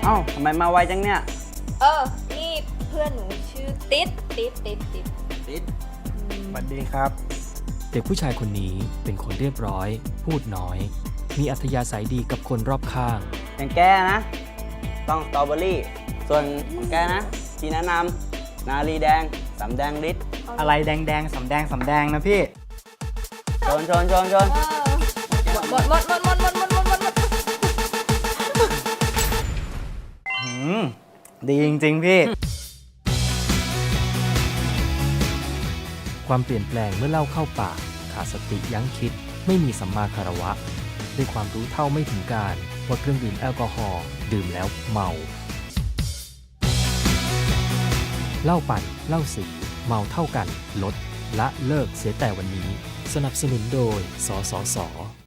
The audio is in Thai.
เอ้าทำไมมาไวจังเนี่ยนี่เพื่อนหนูชื่อติ๊ดติดสวัสดีครับเด็กผู้ชายคนนี้เป็นคนเรียบร้อย พูดน้อย มีอัธยาศัยดีกับคนรอบข้างอย่างแกนะ ต้องสตรอเบอรี่ ส่วนของแกนะที่แนะนำนาลีแดงสำแดงฤทธิ์อะไรแดงๆสำแดงนะพี่ชนหมดดีจริงๆพี่ความเปลี่ยนแปลงเมื่อเล่าเข้าปากขาดสติยั้งคิด ไม่มีสัมมาคารวะ ด้วยความรู้เท่าไม่ถึงการว่าเครื่องดื่มแอลกอฮอล์ดื่มแล้วเมาเหล้าปั่นเหล้าสีเมาเท่ากันลดละเลิกเสียแต่วันนี้ สนับสนุนโดยสสส